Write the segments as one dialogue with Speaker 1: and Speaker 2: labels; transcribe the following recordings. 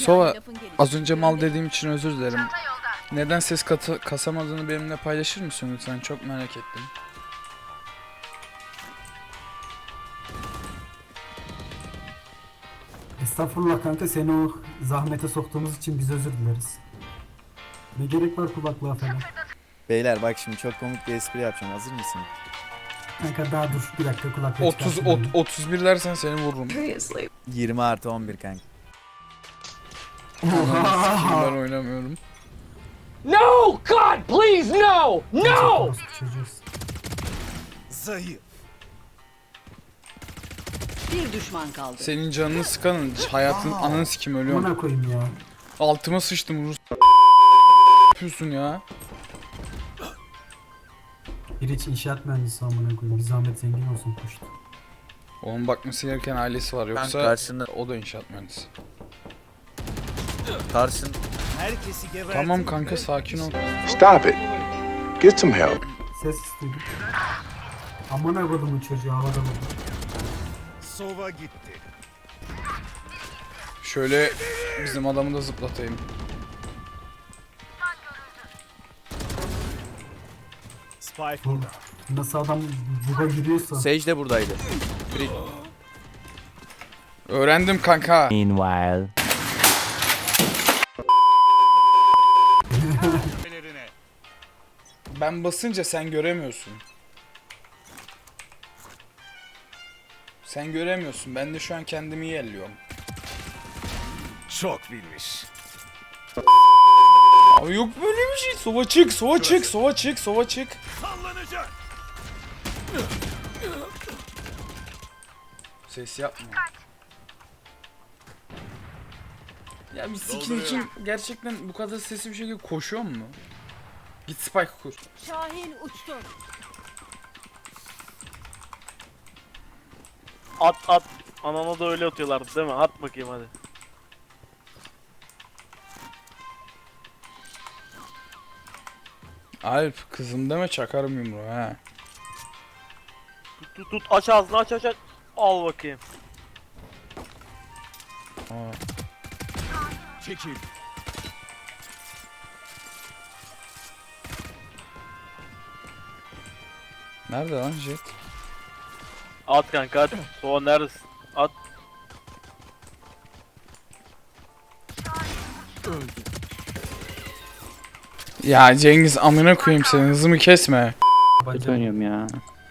Speaker 1: Sova, az önce mal dediğim için özür dilerim. Neden ses kasamadığını benimle paylaşır mısın lütfen? Çok merak ettim.
Speaker 2: Estağfurullah kanka, seni o zahmete soktuğumuz için biz özür dileriz. Ne gerek var kulaklığa falan?
Speaker 3: Beyler bak şimdi çok komik bir espri yapacağım. Hazır mısın?
Speaker 2: Kanka daha dur bir dakika, kulaklığı
Speaker 1: 31 dersen seni vururum.
Speaker 3: 20 artı 11 kanka.
Speaker 1: Ben oynamıyorum.
Speaker 4: No! God, please, no! No!
Speaker 3: Zayıf.
Speaker 5: Bir düşman kaldı.
Speaker 1: Senin canını sıkanın hayatın ananı sikim ölüyorum.
Speaker 2: Bana koyayım ya.
Speaker 1: Altıma sıçtım Rus. Yapıyorsun ya.
Speaker 2: Bir hiç inşaat mühendisi amına koyayım. Bir zahmet zengin olsun koştu.
Speaker 1: Onun bakması gereken ailesi var yoksa
Speaker 3: karşında-
Speaker 1: o da inşaat mühendisi.
Speaker 3: Karşın herkesi gebertin.
Speaker 1: Tamam kanka sakin ol.
Speaker 6: Stop it. Get some help.
Speaker 2: Ses istedim. Amına kodumun çocuğu havada mı?
Speaker 3: Sova gitti.
Speaker 1: Şöyle bizim adamı da zıplatayım.
Speaker 3: Spike
Speaker 2: Bu nasıl adam buga giriyorsa.
Speaker 3: Sage de buradaydı.
Speaker 1: Öğrendim kanka.
Speaker 7: Meanwhile.
Speaker 1: Ben basınca sen göremiyorsun. Sen göremiyorsun. Ben de şu an kendimi yerliyorum.
Speaker 3: Çok bilmiş.
Speaker 1: Abi yok böyle bir şey. Sova çık, sova çık, sova çık, sova çık.
Speaker 3: Sallanacak.
Speaker 1: Ses yapma. Ya bir skin için gerçekten bu kadar sesli bir şekilde koşuyor mu? Git spike kur.
Speaker 5: Şahin uçtu.
Speaker 8: At at. Anana da öyle atıyorlardı değil mi? At bakayım hadi.
Speaker 1: Alp kızım deme çakarım yumruğu ha.
Speaker 8: Tut aç ağzını aç aç aç. Al bakayım.
Speaker 1: Aa.
Speaker 3: Çekil.
Speaker 1: Nerede lan Jet?
Speaker 8: At kanka at. Soğan neredesin? At.
Speaker 1: Ya Cengiz amına koyayım seni hızımı kesme.
Speaker 7: Kötü oynuyorum ya.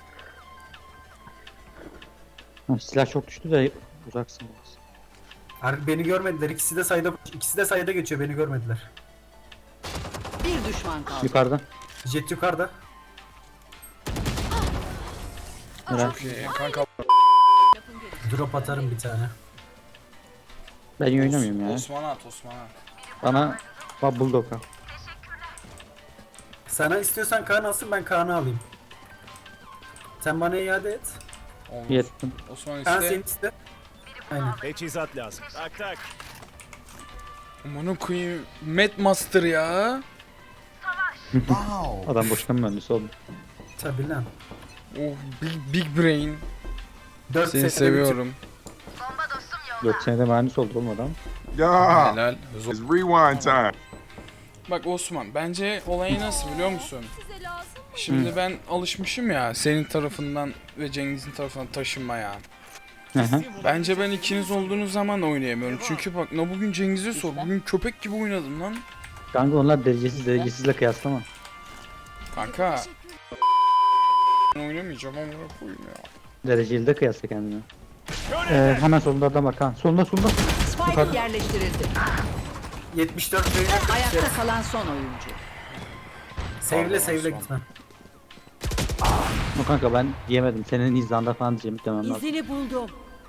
Speaker 7: Ha, silah çok düştü de uzaksın biraz.
Speaker 2: Beni görmediler. İkisi de sayda geçiyor. Beni görmediler.
Speaker 5: Bir düşman kaldı.
Speaker 7: Yukarıda.
Speaker 2: Jet yukarıda.
Speaker 7: Helal.
Speaker 1: Kanka
Speaker 2: Drop atarım bir tane.
Speaker 7: Ben iyi oynamıyorum ya.
Speaker 1: Osman at Osman at.
Speaker 7: Bana bak Bulldog'a.
Speaker 2: Sana istiyorsan Kaan alsın, ben Kaan'ı alayım. Sen bana iade et.
Speaker 1: Olmaz.
Speaker 7: Yettim.
Speaker 1: Osman
Speaker 2: Kaan
Speaker 1: iste.
Speaker 2: seni iste. Aynen.
Speaker 3: Teçhizat lazım. Tak tak.
Speaker 1: Amına koyayım. Mad Master ya.
Speaker 7: Adam boşuna mühendisi oldu.
Speaker 2: Tabii lan.
Speaker 1: Oh big brain.
Speaker 2: 4
Speaker 1: Seni seviyorum.
Speaker 7: 4 senede mühendis oldu oğlum adam.
Speaker 6: Yeah.
Speaker 1: Helal.
Speaker 6: It's rewind time.
Speaker 1: Bak Osman bence olayı nasıl biliyor musun? Şimdi ben alışmışım ya senin tarafından ve Cengiz'in tarafından taşınmaya.
Speaker 7: Hı hı.
Speaker 1: Bence ben ikiniz olduğunuz zaman da oynayamıyorum. Çünkü bak ne bugün Cengiz'e sor. Bugün köpek gibi oynadım lan.
Speaker 7: Kanka onlar derecesizle kıyaslama.
Speaker 1: Kanka. Ben oynamayacağım ama koyayım ya.
Speaker 7: Dereceli de kıyasla kendine. Hemen solunda adam bak ha. Solunda.
Speaker 5: Spike
Speaker 7: Yukarıda.
Speaker 5: yerleştirildi.
Speaker 2: 74 liraya
Speaker 5: Ayakta kalan son oyuncu.
Speaker 2: Sevle
Speaker 1: Osman.
Speaker 2: gitme.
Speaker 7: O kanka ben diyemedim. Senin izlanda falan diyeceğim demem lazım.
Speaker 5: İzini buldum.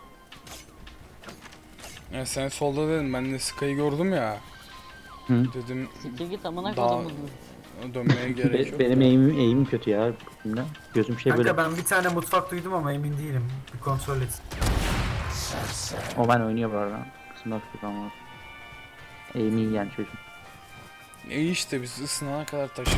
Speaker 1: Ya sen solda dedin ben de Sky'ı gördüm ya.
Speaker 7: Hı.
Speaker 1: Dedim
Speaker 5: Siktir git amına
Speaker 1: daha
Speaker 5: kodumun.
Speaker 1: dönmeye gerek yok.
Speaker 7: Benim eğimim kötü ya. Bugün gözüm şey böyle.
Speaker 2: Kanka ben bir tane mutfak duydum ama emin değilim. Bir kontrol et.
Speaker 7: O ben oynuyor bu arada. Kısımda tutup ama. Eğimi iyi yani çocuğum.
Speaker 1: İyi işte biz ısınana kadar taşırız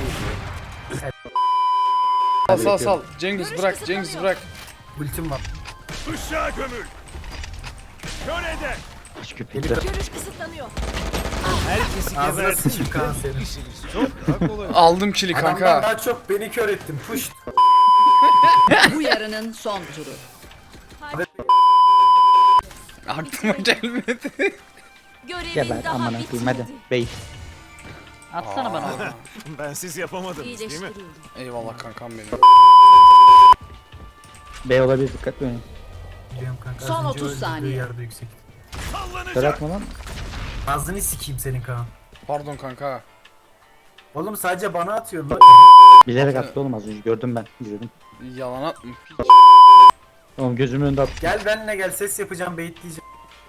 Speaker 1: ya. Sal. Cengiz bırak Cengiz bırak.
Speaker 2: Ultim var.
Speaker 3: Işığa gömül. Kör eder.
Speaker 7: Hiç köpekler.
Speaker 9: Görüş kısıtlanıyor.
Speaker 2: Ağzına sıçayım Kaan senin.
Speaker 1: Aldım kili
Speaker 2: Adamdan
Speaker 1: kanka.
Speaker 2: daha çok beni kör ettin. Push.
Speaker 5: Bu yarının son turu.
Speaker 1: Aklıma gelmedi.
Speaker 9: Görevin
Speaker 7: Geber
Speaker 9: daha
Speaker 7: amına koyayım hadi.
Speaker 9: bitmedi.
Speaker 7: Bey.
Speaker 5: Atsana bana onu.
Speaker 3: Bensiz yapamadınız
Speaker 9: İyileştiriyorum.
Speaker 1: Eyvallah kankam benim.
Speaker 7: Bey olabilir dikkatli oynayın.
Speaker 2: Biliyorum kanka.
Speaker 5: Son
Speaker 2: az önce
Speaker 5: 30
Speaker 2: öldürdüğü
Speaker 5: saniye.
Speaker 2: Yerde yüksek.
Speaker 7: Kör atma lan.
Speaker 2: Ağzını sikeyim senin Kaan.
Speaker 1: Pardon kanka.
Speaker 2: Oğlum sadece bana atıyorsun lan.
Speaker 7: Bilerek attı oğlum az önce gördüm ben. İzledim.
Speaker 1: Yalan atma.
Speaker 7: Oğlum gözümün önünde attı.
Speaker 2: Gel benimle gel ses yapacağım baitleyeceğim.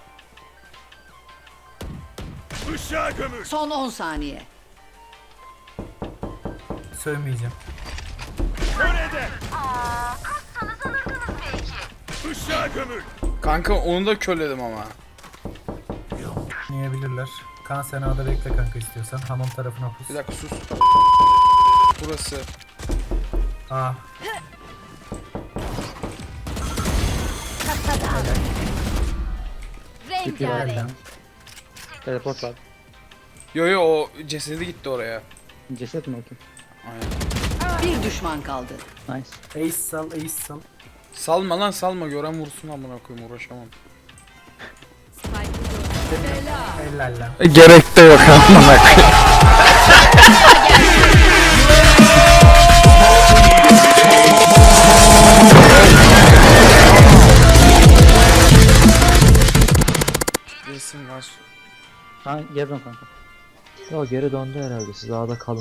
Speaker 5: Son 10 saniye.
Speaker 2: Sövmeyeceğim.
Speaker 1: Kanka onu da körledim ama.
Speaker 2: Yiyebilirler. Kaan sen A'da bekle kanka istiyorsan. Hamam tarafına pus.
Speaker 1: Bir dakika sus. Burası.
Speaker 2: A.
Speaker 9: Rengarenk.
Speaker 7: Teleport var.
Speaker 1: Yo yo o cesedi gitti oraya.
Speaker 7: Ceset mi okey?
Speaker 1: Aynen.
Speaker 5: Bir düşman kaldı.
Speaker 7: Nice.
Speaker 2: Ace sal, ace sal.
Speaker 1: Salma lan salma gören vursun amına koyayım uğraşamam.
Speaker 2: Helal lan.
Speaker 1: Gerek de yok amına koyayım. Resim var.
Speaker 7: Ha gel dön kanka.
Speaker 10: Ya geri döndü herhalde. Siz A'da kalın.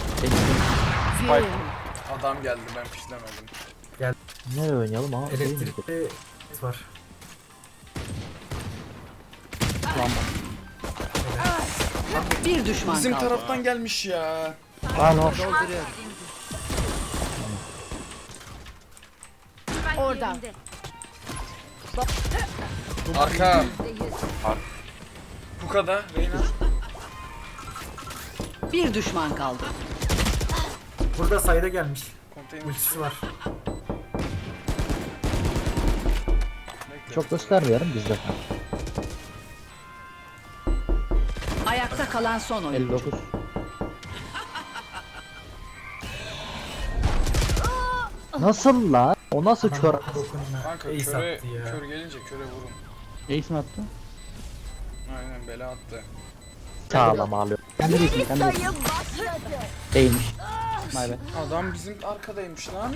Speaker 1: Adam geldi ben pişlemedim.
Speaker 10: Nereye oynayalım ha? Değil mi?
Speaker 2: Elektrikli var.
Speaker 5: Bir düşman
Speaker 1: Bizim
Speaker 5: kaldı.
Speaker 1: taraftan gelmiş ya.
Speaker 10: Aa no.
Speaker 9: Orada.
Speaker 1: Arka. Bu kadar. Reyna.
Speaker 5: Bir düşman kaldı.
Speaker 2: Burada sayda gelmiş.
Speaker 1: Konteyner.
Speaker 2: Ultisi var.
Speaker 10: Çok göstermeyelim biz de.
Speaker 5: Ayakta kalan son oyuncu.
Speaker 10: 59. Nasıl la? O nasıl kör?
Speaker 2: Dokunma.
Speaker 1: Kanka
Speaker 2: Ace
Speaker 1: köre,
Speaker 2: attı ya.
Speaker 1: kör gelince köre vurun.
Speaker 7: Ace mi attı?
Speaker 1: Aynen bela attı.
Speaker 10: Sağlam ağlıyor.
Speaker 7: Kendi değilsin kendi değilsin. Değilmiş. My bad.
Speaker 1: Adam bizim arkadaymış lan.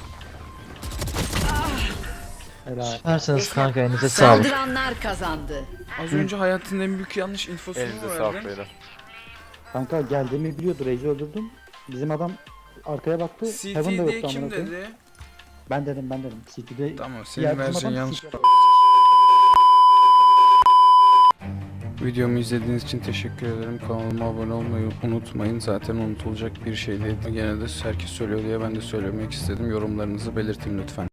Speaker 7: Helal.
Speaker 10: Süpersiniz kanka elinize sağlık.
Speaker 5: Saldıranlar kazandı.
Speaker 1: Az önce hayatının en büyük yanlış infosunu mu verdin?
Speaker 7: Kanka geldiğimi biliyordu. Raze'i öldürdüm. Bizim adam arkaya baktı. Heaven da
Speaker 1: CT diye
Speaker 7: yoktu
Speaker 1: kim
Speaker 7: amına koyayım.
Speaker 1: dedi?
Speaker 7: Ben dedim. CT'de
Speaker 1: Tamam
Speaker 7: diğer
Speaker 1: senin
Speaker 7: bizim
Speaker 1: vereceğin
Speaker 7: adam
Speaker 1: yanlış.
Speaker 7: CT.
Speaker 1: Videomu izlediğiniz için teşekkür ederim. Kanalıma abone olmayı unutmayın. Zaten unutulacak bir şey değil. Gene de herkes söylüyor diye ben de söylemek istedim. Yorumlarınızı belirtin lütfen.